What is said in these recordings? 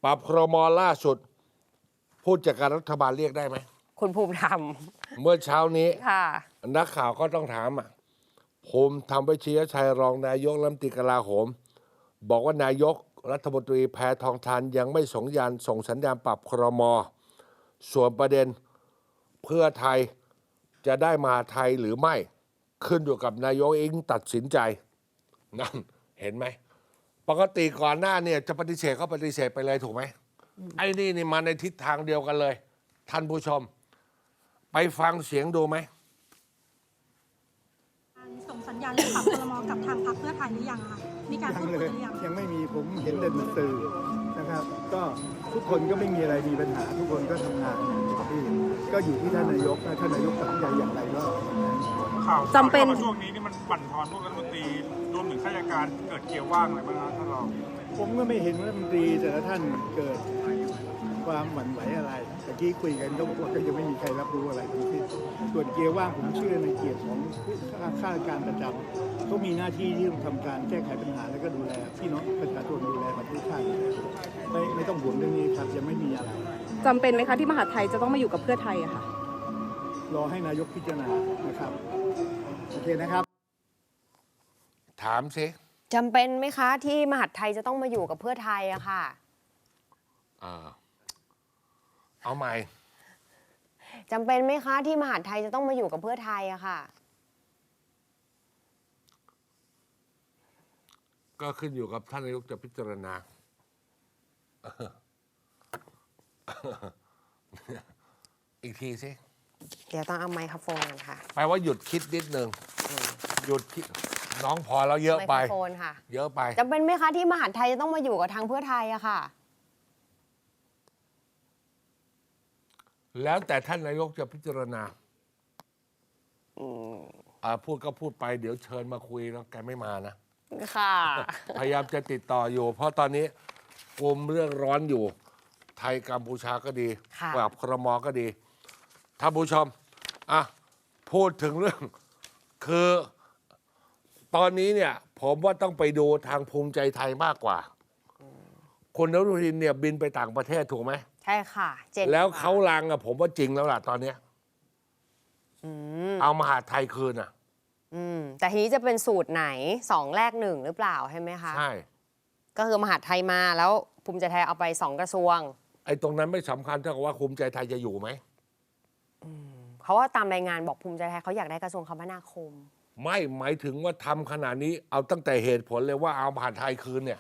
ปรับครม.ล่าสุดผู้จัดการรัฐบาลเรียกได้ไหมคุณภูมิธรรมเมื่อเช้านี้ค่ะนักข่าวก็ต้องถามภูมิธรรมเวชยชัยรองนายกรัฐมนตรีกลาโหมบอกว่านายกรัฐมนตรีแพทองธารยังไม่ส่งสัญญาณปรับครม.ส่วนประเด็นเพื่อไทยจะได้มหาไทยหรือไม่ขึ้นอยู่กับนายกเองตัดสินใจนั่นเห็นไหมปกติก่อนหน้าเนี่ยจะปฏิเสธก็ปฏิเสธไปเลยถูกไหมไอ้นี่มาในทิศทางเดียวกันเลย ท่านผู้ชมไปฟังเสียงดูไหมส่งสัญญาณเรื่องปรับครม.กับทางพรรคเพื่อไทยหรือยังคะมีการพูดคุยหรือยังยังไม่มีผมเห็นแต่ในสื่อนะครับ ก็ทุกคนก็ไม่มีอะไรมีปัญหา ทุกคนก็ทำงานที่ก็อยู่ที่ท่านนายกนะท่านนายกตัดสินใจอย่างไรก็ข่าวจำเป็นช่วงนี้นี่มันบั่นทอนพวกรัฐมนตรีรวมถึงข้าราชการเกิดเกี่ยวว่างอะไรบ้างครับท่านรองผมก็ไม่เห็นว่ารัฐมนตรีแต่ละท่านเกิดความหวั่นไหวอะไรตะกี้คุยกันก็บอกว่าก็ยังไม่มีใครรับรู้อะไรทั้งสิ้นส่วนเกียร์ว่างผมเชื่อในเกียรติของข้าราชการประจำเขามีหน้าที่ที่ต้องทำการแก้ไขปัญหาแล้วก็ดูแลพี่น้องประชาชนดูแลประเทศชาติไม่ต้องห่วงเรื่องนี้ครับยังไม่มีอะไรจำเป็นไหมคะที่มหาไทยจะต้องมาอยู่กับเพื่อไทยอะค่ะรอให้นายกพิจารณานะครับโอเคนะครับถามสิจำเป็นไหมคะที่มหาไทยจะต้องมาอยู่กับเพื่อไทยอะค่ะเอาใหม่จำเป็นไหมคะที่มหาไทยจะต้องมาอยู่กับเพื่อไทยอะค่ะก็ขึ้นอยู่กับท่านนายกจะพิจารณาอีกทีสิเดี๋ยวต้องเอาไมโครโฟนกันค่ะแปลว่าหยุดคิดนิดนึงหยุดคิดน้องพอแล้วเยอะไปไมโครโฟนค่ะเยอะไปจำเป็นไหมคะที่มหาไทยจะต้องมาอยู่กับทางเพื่อไทยอะค่ะแล้วแต่ท่านนายกจะพิจารณาพูดก็พูดไปเดี๋ยวเชิญมาคุยแล้วแกไม่มานะค่ะพยายามจะติดต่ออยู่เพราะตอนนี้กลุ่มเรื่องร้อนอยู่ ไทยกัมพูชาก็ดีปรับครม.ก็ดีท่านผู้ชมพูดถึงเรื่องคือตอนนี้เนี่ยผมว่าต้องไปดูทางภูมิใจไทยมากกว่าคุณอนุทินเนี่ยบินไปต่างประเทศถูกไหมใช่ค่ะแล้วเขาลังผมว่าจริงแล้วล่ะตอนนี้เอามหาไทยคืนแต่ทีนี้จะเป็นสูตรไหน2 แลก 1หรือเปล่าใช่ไหมคะใช่ก็คือมหาไทยมาแล้วภูมิใจไทยเอาไป2 กระทรวงไอ้ตรงนั้นไม่สำคัญเท่ากับว่าภูมิใจไทยจะอยู่ไหมเพราะว่าตามรายงานบอกภูมิใจไทยเขาอยากได้กระทรวงคมนาคมไม่หมายถึงว่าทำขนาดนี้เอาตั้งแต่เหตุผลเลยว่าเอามหาไทยคืนเนี่ย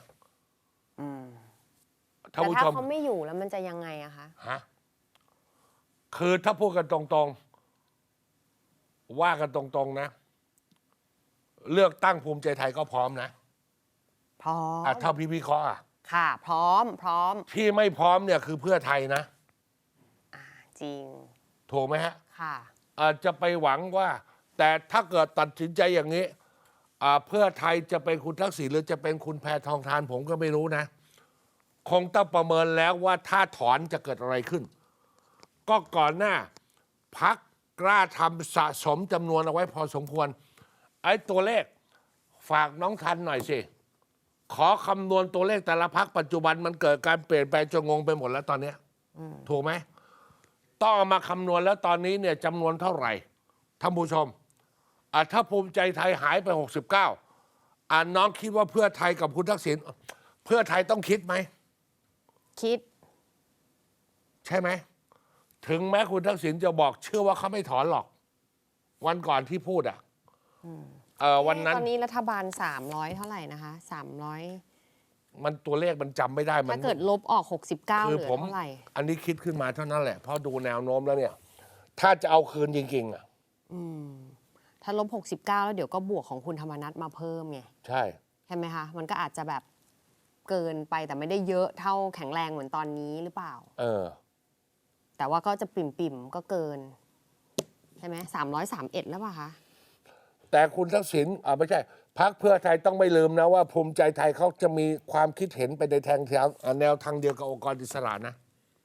แต่ถ้าเขาไม่อยู่แล้วมันจะยังไงอะคะคือถ้าพูดกันตรงๆว่ากันตรงๆนะเลือกตั้งภูมิใจไทยก็พร้อมนะพร้อมถ้าพี่วิเคราะห์ค่ะพร้อมที่ไม่พร้อมเนี่ยคือเพื่อไทยนะจริงถูกไหมฮะค่ะอาจจะไปหวังว่าแต่ถ้าเกิดตัดสินใจอย่างนี้เพื่อไทยจะเป็นคุณทักษิณหรือจะเป็นคุณแพทองธารผมก็ไม่รู้นะคงต้องประเมินแล้วว่าถ้าถอนจะเกิดอะไรขึ้นก็ก่อนหน้าพรรคกล้าทำสะสมจำนวนเอาไว้พอสมควรไอ้ตัวเลขฝากน้องทันหน่อยสิขอคำนวณตัวเลขแต่ละพรรคปัจจุบันมันเกิดการเปลี่ยนแปลงจนงงไปหมดแล้วตอนนี้ถูกไหมต้องเอามาคำนวณแล้วตอนนี้เนี่ยจำนวนเท่าไหร่ท่านผู้ชมถ้าภูมิใจไทยหายไป69น้องคิดว่าเพื่อไทยกับคุณทักษิณเพื่อไทยต้องคิดไหมคิดใช่ไหมถึงแม้คุณทักษิณจะบอกเชื่อว่าเขาไม่ถอนหรอกวันก่อนที่พูดวันนั้นตอนนี้รัฐบาล300เท่าไหร่นะคะ300 มันตัวเลขมันจำไม่ได้ถ้าเกิดลบออก69เหลือเท่าไหร่อันนี้คิดขึ้นมาเท่านั้นแหละเพราะดูแนวโน้มแล้วเนี่ยถ้าจะเอาคืนจริงๆถ้าลบ69แล้วเดี๋ยวก็บวกของคุณธรรมนัสมาเพิ่มไงใช่ไหมคะมันก็อาจจะแบบเกินไปแต่ไม่ได้เยอะเท่าแข็งแรงเหมือนตอนนี้หรือเปล่าแต่ว่าก็จะปิ่มก็เกินใช่ไหม331แล้วป่ะคะแต่คุณทักษิณไม่ใช่พรรคเพื่อไทยต้องไม่ลืมนะว่าภูมิใจไทยเขาจะมีความคิดเห็นไปในแนวทางเดียวกับองค์กรอิสระนะ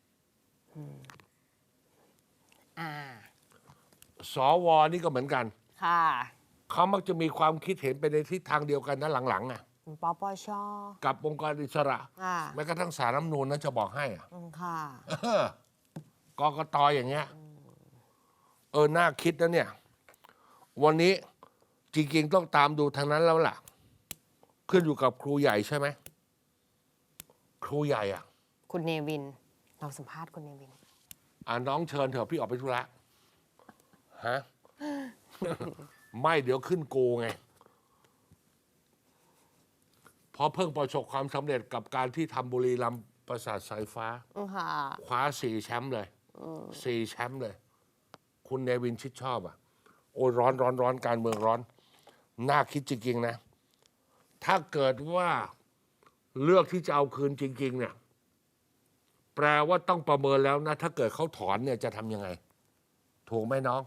สว.นี่ก็เหมือนกันค่ะเขามักจะมีความคิดเห็นไปในทิศทางเดียวกันนะหลังๆปปช. กับองค์กรอิสระค่ะแม้กระทั่งศาลรัฐธรรมนูญนะจะบอกให้อะค่ะกกตอย่างเงี้ยน่าคิดนะเนี่ย วันนี้จริงๆต้องตามดูทางนั้นแล้วล่ะ ขึ้นอยู่กับครูใหญ่ใช่ไหมครูใหญ่อ่ะคุณเนวิน เราสัมภาษณ์คุณเนวินน้องเชิญเถอะพี่ออกไปธุระฮะ ไม่เดี๋ยวขึ้นโกไงเพราะเพิ่งประสบความสำเร็จกับการที่ทำบุรีรัมย์ปราสาทสายฟ้าค่ะคว้า4 แชมป์เลย4 แชมป์เลย คุณเนวินชิดชอบอ่ะ โอ้ยร้อนการเมืองร้อน น่าคิดจริงๆนะ ถ้าเกิดว่าเลือกที่จะเอาคืนจริง ๆ เนี่ย แปลว่าต้องประเมินแล้วนะ ถ้าเกิดเขาถอนเนี่ยจะทำยังไง ถูกไหมน้อง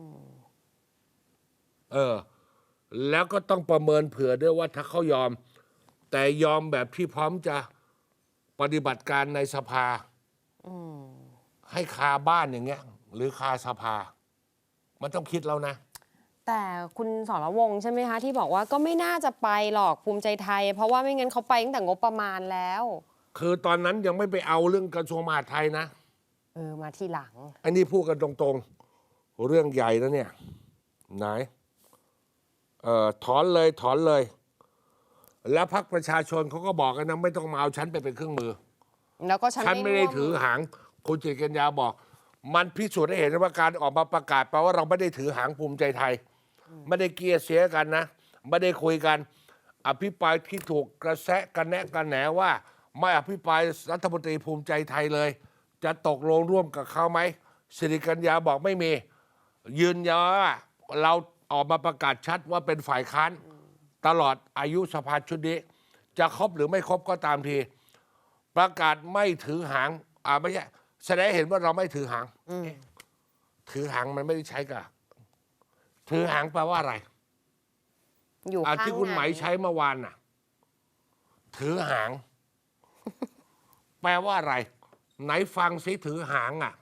แล้วก็ต้องประเมินเผื่อด้วยว่าถ้าเขายอม แต่ยอมแบบที่พร้อมจะปฏิบัติการในสภาให้คาบ้านอย่างเงี้ย หรือคาสภา มันต้องคิดแล้วนะแต่คุณสรวงศ์ใช่ไหมคะ ที่บอกว่าก็ไม่น่าจะไปหรอกภูมิใจไทย เพราะว่าไม่งั้นเขาไปตั้งแต่งบประมาณแล้วคือตอนนั้นยังไม่ไปเอาเรื่องกระทรวงมหาดไทยนะมาที่หลังอันนี้พูดกันตรงๆ เรื่องใหญ่แล้วเนี่ย ไหนถอนเลย แล้วพรรคประชาชนเขาก็บอกกันนะไม่ต้องมาเอาฉันไปเป็นเครื่องมือแล้วก็ฉันไม่ได้ร่วถือหาง คุณจิตรกัญญาบอก มันพิสูจน์ให้เห็นว่าการออกมาประกาศแปลว่าเราไม่ได้ถือหางภูมิใจไทย ไม่ได้เกลียเสียกันนะ ไม่ได้คุยกัน อภิปรายที่ถูกกระแสกันแนะกันแหนว่าไม่อภิปรายรัฐมนตรีภูมิใจไทยเลย จะตกลงร่วมกับเขาไหมสิริกัญญาบอกไม่มี ยืนยันว่าเราออกมาประกาศชัดว่าเป็นฝ่ายค้านตลอดอายุสภาชุดนี้ จะครบหรือไม่ครบก็ตามที ประกาศไม่ถือหางไม่ใช่แสดงให้เห็นว่าเราไม่ถือหางถือหางมันไม่ได้ใช้กับถือหางแปลว่าอะไรอยู่ข้างที่คุณไหมนใช้เมื่อวานน่ะ ถือหาง แปลว่าอะไร ไหนฟังสิถือหางอ่ะ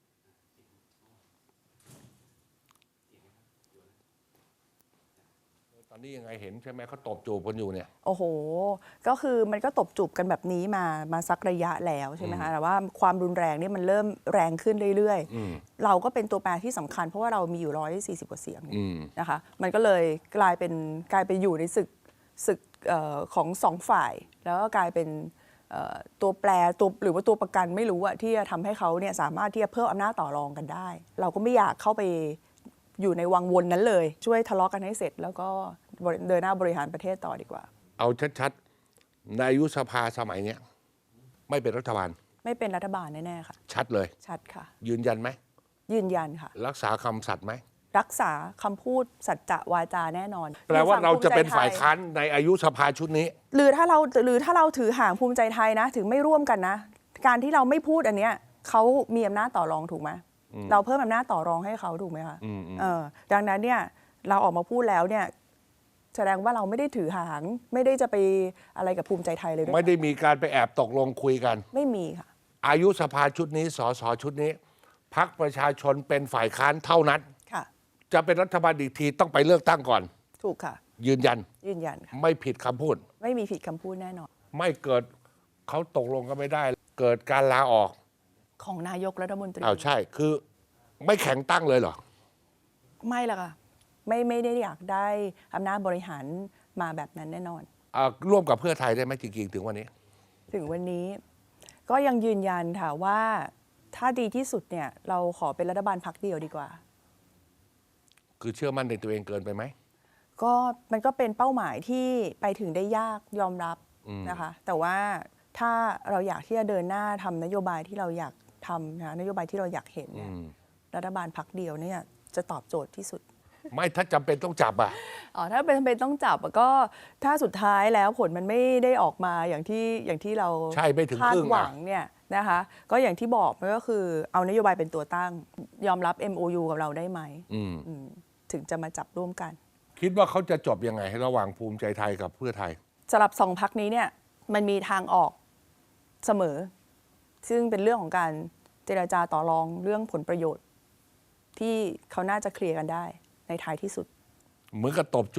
ตอนนี้ยังไงเห็นใช่ไหมเขาตบจูบกันอยู่เนี่ยโอ้โห ก็คือมันก็ตบจูบกันแบบนี้มาสักระยะแล้วใช่ไหมคะ แต่ว่าความรุนแรงนี่มันเริ่มแรงขึ้นเรื่อยๆ เราก็เป็นตัวแปรที่สำคัญเพราะว่าเรามีอยู่140 กว่าเสียงนะคะ มันก็เลยกลายไปอยู่ในศึกของสองฝ่าย แล้วก็กลายเป็นตัวแปรหรือว่าตัวประกันไม่รู้อะที่จะทำให้เขาเนี่ยสามารถที่จะเพิ่มอำนาจต่อรองกันได้ เราก็ไม่อยากเข้าไปอยู่ในวังวนนั้นเลยช่วยทะเลาะกันให้เสร็จ แล้วก็เดินหน้าบริหารประเทศต่อดีกว่าเอาชัดๆในอายุสภาสมัยเนี้ยไม่เป็นรัฐบาลไม่เป็นรัฐบาลแน่ๆค่ะชัดเลยชัดค่ะยืนยันไหมยืนยันค่ะรักษาคำสัตย์ไหมรักษาคำพูดสัจจะวาจาแน่นอนแปลว่าเราจะเป็นฝ่ายภูมิใจไทค้านในอายุสภาชุดนี้หรือถ้าเราถือห่างภูมิใจไทยนะถึงไม่ร่วมกันนะ การที่เราไม่พูดอันเนี้ยเขามีอำนาจต่อรองถูกไหมเราเพิ่มอำนาจต่อรองให้เขาถูกไหมคะดังนั้นเนี่ยเราออกมาพูดแล้วเนี่ยแสดงว่าเราไม่ได้ถือหางไม่ได้จะไปอะไรกับภูมิใจไทยเลยด้วยไม่ได้มีการไปแอบตกลงคุยกันไม่มีค่ะอายุสภาชุดนี้สสชุดนี้พรรคประชาชนเป็นฝ่ายค้านเท่านั้นค่ะจะเป็นรัฐบาลอีกทีต้องไปเลือกตั้งก่อนถูกค่ะยืนยันยืนยันค่ะไม่ผิดคำพูดไม่มีผิดคำพูดแน่นอนไม่เกิดเขาตกลงกันไม่ได้ เกิดการลาออกของนายกรัฐมนตรีใช่คือไม่แข็งตั้งเลยเหรอไม่ละค่ะไม่ได้อยากได้อำนาจบริหารมาแบบนั้นแน่นอนร่วมกับเพื่อไทยได้ไหมจริงๆถึงวันนี้ถึงวันนี้ก็ยังยืนยันค่ะว่าถ้าดีที่สุดเนี่ยเราขอเป็นรัฐบาลพรรคเดียวดีกว่าคือเชื่อมั่นในตัวเองเกินไปไหมก็มันก็เป็นเป้าหมายที่ไปถึงได้ยากยอมรับนะคะ แต่ว่าถ้าเราอยากที่จะเดินหน้าทำนโยบายที่เราอยากทำนะนโยบายที่เราอยากเห็นเนี่ยรัฐบาลพรรคเดียวเนี่ยจะตอบโจทย์ที่สุดไม่ถ้าจำเป็นต้องจับอ่ะถ้าเป็นต้องจับก็ถ้าสุดท้ายแล้วผลมันไม่ได้ออกมาอย่างที่เราใช่ไม่ถึงคาครึ่ดงหวังเนี่ยนะคะก็อย่างที่บอกมันก็คือเอานโยบายเป็นตัวตั้งยอมรับ MOU กับเราได้ไหมถึงจะมาจับร่วมกันคิดว่าเขาจะจบยังไงระหว่างภูมิใจไทยกับเพื่อไทยสำหรับสองพรรคนี้เนี่ยมันมีทางออกเสมอ ซึ่งเป็นเรื่องของการเจรจาต่อรองเรื่องผลประโยชน์ ที่เขาน่าจะเคลียร์กันได้ในท้ายที่สุดเหมือนกับตบจูบ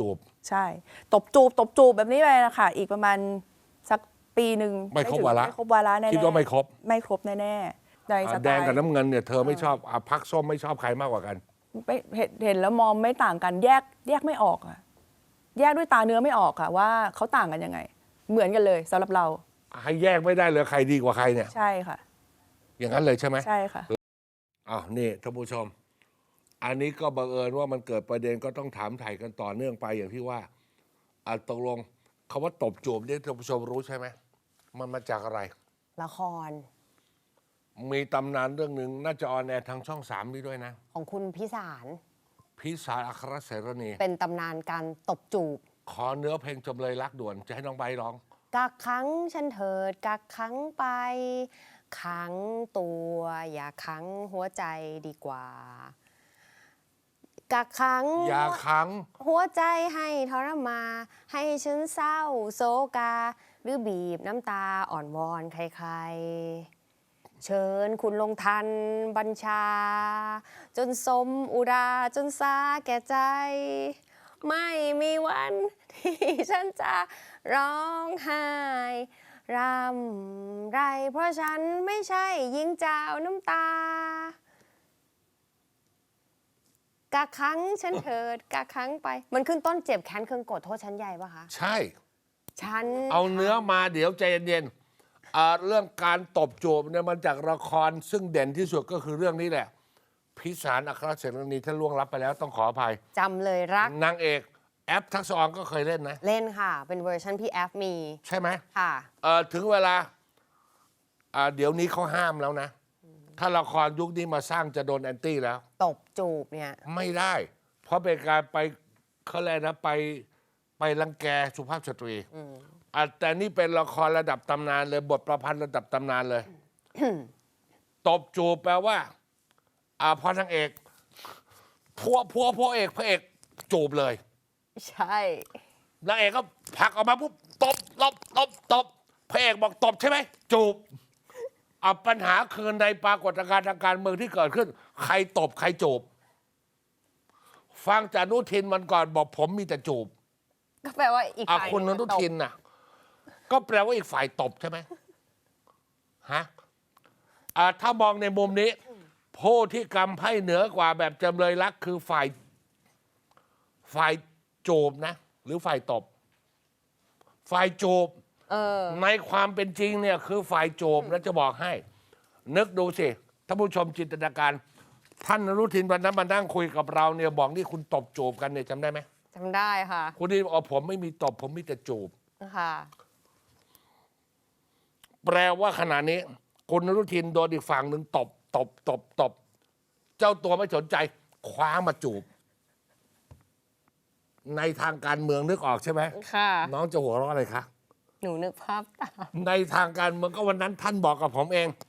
ใช่ตบจูบแบบนี้ไปนะคะอีกประมาณสักปีหนึ่งไม่ครบวาระไม่ครบวาระแน่ๆคิดว่าไม่ครบไม่ครบแน่ๆในสไตล์แดงกับน้ำเงินเนี่ยเธอไม่ชอบพรรคส้มไม่ชอบใครมากกว่ากันไม่เห็นแล้วมองไม่ต่างกันแยกไม่ออกอะแยกด้วยตาเนื้อไม่ออกค่ะว่าเขาต่างกันยังไง เหมือนกันเลยสำหรับเราให้แยกไม่ได้เลยใครดีกว่าใครเนี่ยใช่ค่ะอย่างนั้นเลยใช่ไหมใช่ค่ะอ้าวนี่ท่านผู้ชม อันนี้ก็บังเอิญว่ามันเกิดประเด็นก็ต้องถามไถ่กันต่อเนื่องไปอย่างที่ว่าตกลงคำว่าตบจูบเนี่ยท่านผู้ชมรู้ใช่ไหมมันมาจากอะไรละครมีตำนานเรื่องหนึ่งน่าจะออนแอร์ทางช่อง3นี้ด้วยนะของคุณพิสารพิสารอัครเสรณีเป็นตำนานการตบจูบขอเนื้อเพลงจำเลยรักด่วนจะให้น้องใบร้องกักขังฉันเถิดกักขังไป ขังตัวอย่าขังหัวใจดีกว่า กักขังอย่าขังหัวใจให้ทรมานให้ฉันเศร้าโศกา หรือบีบน้ำตาอ่อนวอนใครๆ เชิญคุณลงทันบัญชา จนสมอุราจนสาแก่ใจ ไม่มีวันที่ฉันจะร้องไห้รำไร เพราะฉันไม่ใช่หญิงเจ้าน้ำตา กักขังฉันเถิดกักขังไป มันขึ้นต้นเจ็บแค้นเคืองโกรธโทษชั้นใหญ่ปะคะใช่ฉันเอาเนื้อมาเดี๋ยวใจเย็นๆเรื่องการตบจูบเนี่ยมันจากละครซึ่งเด่นที่สุดก็คือเรื่องนี้แหละ พิสารอัครเสรณีท่านล่วงลับไปแล้วต้องขออภัยจำเลยรักนางเอกแอปทักษะออนก็เคยเล่นนะเล่นค่ะ เป็นเวอร์ชันพี่แอฟมีใช่ไหมค่ะถึงเวลาเดี๋ยวนี้เขาห้ามแล้วนะ ถ้าละครยุคนี้มาสร้างจะโดนแอนตี้แล้วตบจูบเนี่ยไม่ได้ เพราะเป็นการไปเขาเรียกนะไปรังแกสุภาพสตรีแต่นี่เป็นละครระดับตำนานเลยบทประพันธ์ระดับตำนานเลย ตบจูบแปลว่าพอนางเอกพระเอกจูบเลยใช่นางเอกก็ผลักออกมาปุ๊บตบพระเอกบอกตบใช่ไหมจูบปัญหาคือในปรากฏการณ์ทางการเมืองที่เกิดขึ้น ใครตบใครจูบฟังจากอนุทินมันก่อนบอกผมมีแต่จูบก็แปลว่าอีกฝ่ายคุณอนุทินน่ะ ก็แปลว่าอีกฝ่ายตบใช่ไหมฮะถ้ามองในมุมนี้ผู้ที่กำไพ่เหนือกว่าแบบจำเลยรักคือฝ่ายจูบนะ หรือฝ่ายตบ ฝ่ายจูบในความเป็นจริงเนี่ยคือฝ่ายจูบแล้วจะบอกให้ นึกดูสิท่านผู้ชมจินตนาการ ท่านอนุทินวันนั้นมานั่งคุยกับเราเนี่ยบอกนี่คุณตบจูบกันเนี่ยจำได้ไหมจำได้ค่ะคุณนี่บอกผมไม่มีตบผมมีแต่จูบค่ะแปลว่าขณะนี้คุณอนุทินโดนอีกฝั่งหนึ่งตบ เจ้าตัวไม่สนใจคว้ามาจูบ ในทางการเมืองนึกออกใช่ไหมค่ะน้องจะหัวเราะอะไรคะหนูนึกภาพตามในทางการเมืองก็วันนั้นท่านบอกกับผมเอง